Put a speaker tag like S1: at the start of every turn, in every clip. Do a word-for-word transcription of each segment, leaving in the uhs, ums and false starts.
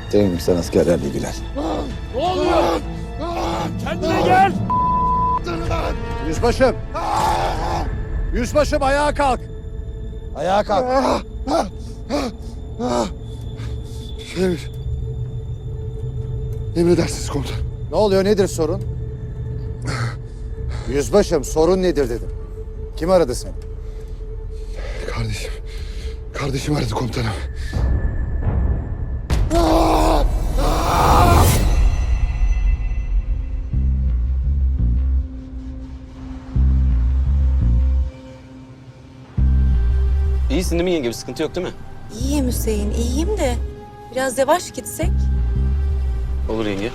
S1: Cemil sen askerlerle ilgilen.
S2: Ne oluyor? Kendine gel!
S1: Yüzbaşım! Yüzbaşım ayağa kalk! Ayağa kalk!
S3: Emir. Emredersiniz komutanım.
S1: Ne oluyor, nedir sorun? Yüzbaşım sorun nedir dedim. Kim aradı seni?
S3: Kardeşim. Kardeşim aradı komutanım.
S4: İyisin değil mi yenge? Bir sıkıntı yok değil mi?
S5: İyiyim Hüseyin, iyiyim de biraz yavaş gitsek.
S4: Olur yenge.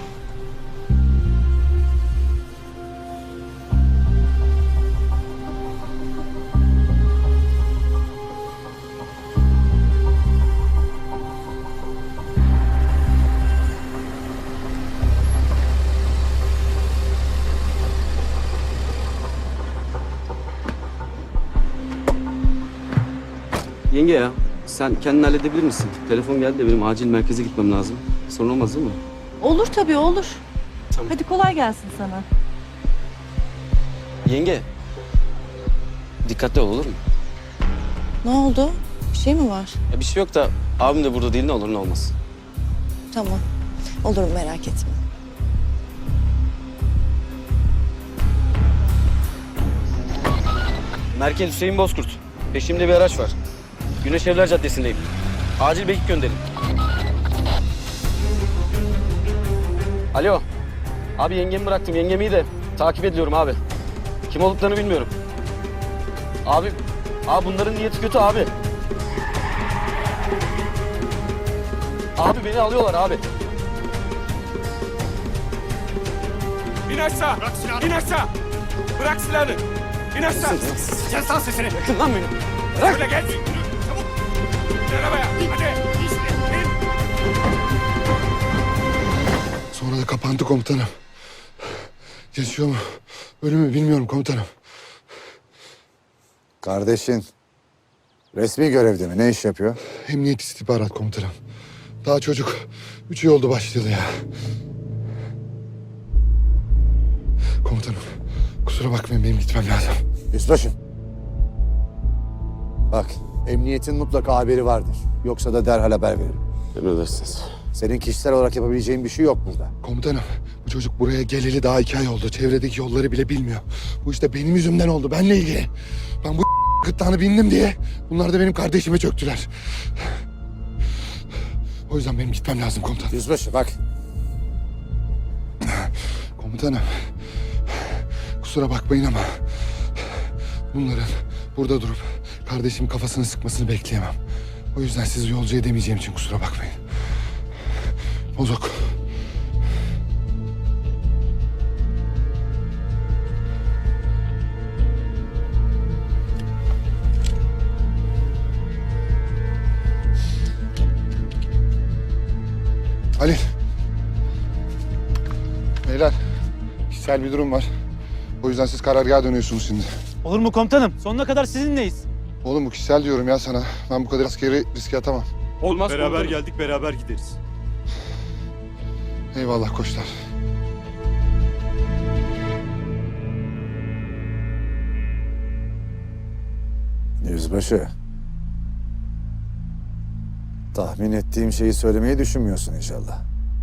S4: Yenge ya, sen kendin halledebilir misin? Telefon geldi de benim acil merkeze gitmem lazım. Sorun olmaz değil mi?
S5: Olur tabii, olur.
S4: Tamam.
S5: Hadi kolay gelsin sana.
S4: Yenge, dikkatli ol olur mu?
S5: Ne oldu? Bir şey mi var?
S4: Ya bir şey yok da abim de burada değil, ne olur ne olmaz.
S5: Tamam. Olur, merak etme.
S4: Merkez Hüseyin Bozkurt. Peşimde bir araç var. Güneş Evler Caddesi'ndeyim. Acil bekik gönderin. Alo. Abi yengemi bıraktım. Yengem iyi de takip ediyorum abi. Kim olduklarını bilmiyorum. Abi, abi bunların niyeti kötü abi. Abi beni alıyorlar abi.
S2: İn aşağı! Bırak silahını! İn aşağı! Bırak silahını! İn aşağı! Kes lan sesini!
S4: Bırakın lan beni.
S2: Şöyle geç! Çabuk! İn arabaya! Hadi! İn!
S3: Sonra da kapandı komutanım. Yaşıyor mu? Ölü mü bilmiyorum komutanım.
S1: Kardeşin resmi görevde mi? Ne iş yapıyor?
S3: Emniyet istihbarat komutanım. Daha çocuk. Üç ay oldu başlayalı ya. Komutanım. Kusura bakmayın benim gitmem lazım.
S1: Yüzbaşım. Bak, emniyetin mutlaka haberi vardır. Yoksa da derhal haber veririm.
S4: Emredersiniz.
S1: Senin kişisel olarak yapabileceğin bir şey yok burada.
S3: Komutanım bu çocuk buraya geleli daha iki ay oldu. Çevredeki yolları bile bilmiyor. Bu işte benim yüzümden oldu. Benle ilgili. Ben bu gırtlağını bindim diye bunlar da benim kardeşime çöktüler. O yüzden benim gitmem lazım komutanım.
S1: Yüzbaşı bak.
S3: Komutanım. Kusura bakmayın ama bunların burada durup kardeşimin kafasını sıkmasını bekleyemem. O yüzden sizi yolcu edemeyeceğim için kusura bakmayın. Bozok. Halil. Beyler, kişisel bir durum var. O yüzden siz karargaha dönüyorsunuz şimdi.
S6: Olur mu komutanım? Sonuna kadar sizinleyiz.
S3: Oğlum bu kişisel diyorum ya sana. Ben bu kadar askeri riske atamam.
S2: Olmaz
S6: Beraber
S2: komutanım.
S6: geldik, beraber gideriz.
S3: Eyvallah koçlar.
S1: Yüzbaşı. Tahmin ettiğim şeyi söylemeyi düşünmüyorsun inşallah.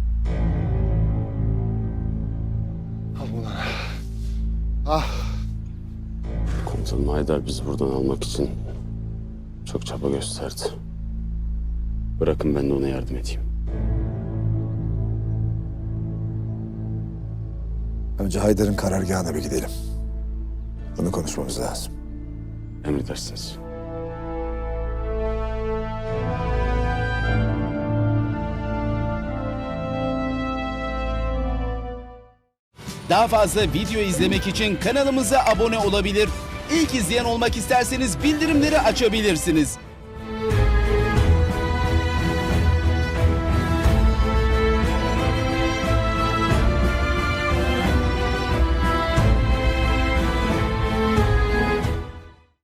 S3: Al bunu. Ah.
S4: Komutanım Haydar bizi buradan almak için çok çaba gösterdi. Bırakın ben de ona yardım edeyim.
S1: Önce Haydar'ın karargahına bir gidelim. Bunu konuşmamız lazım.
S4: Emredersiniz.
S7: Daha fazla video izlemek için kanalımıza abone olabilir. İlk izleyen olmak isterseniz bildirimleri açabilirsiniz.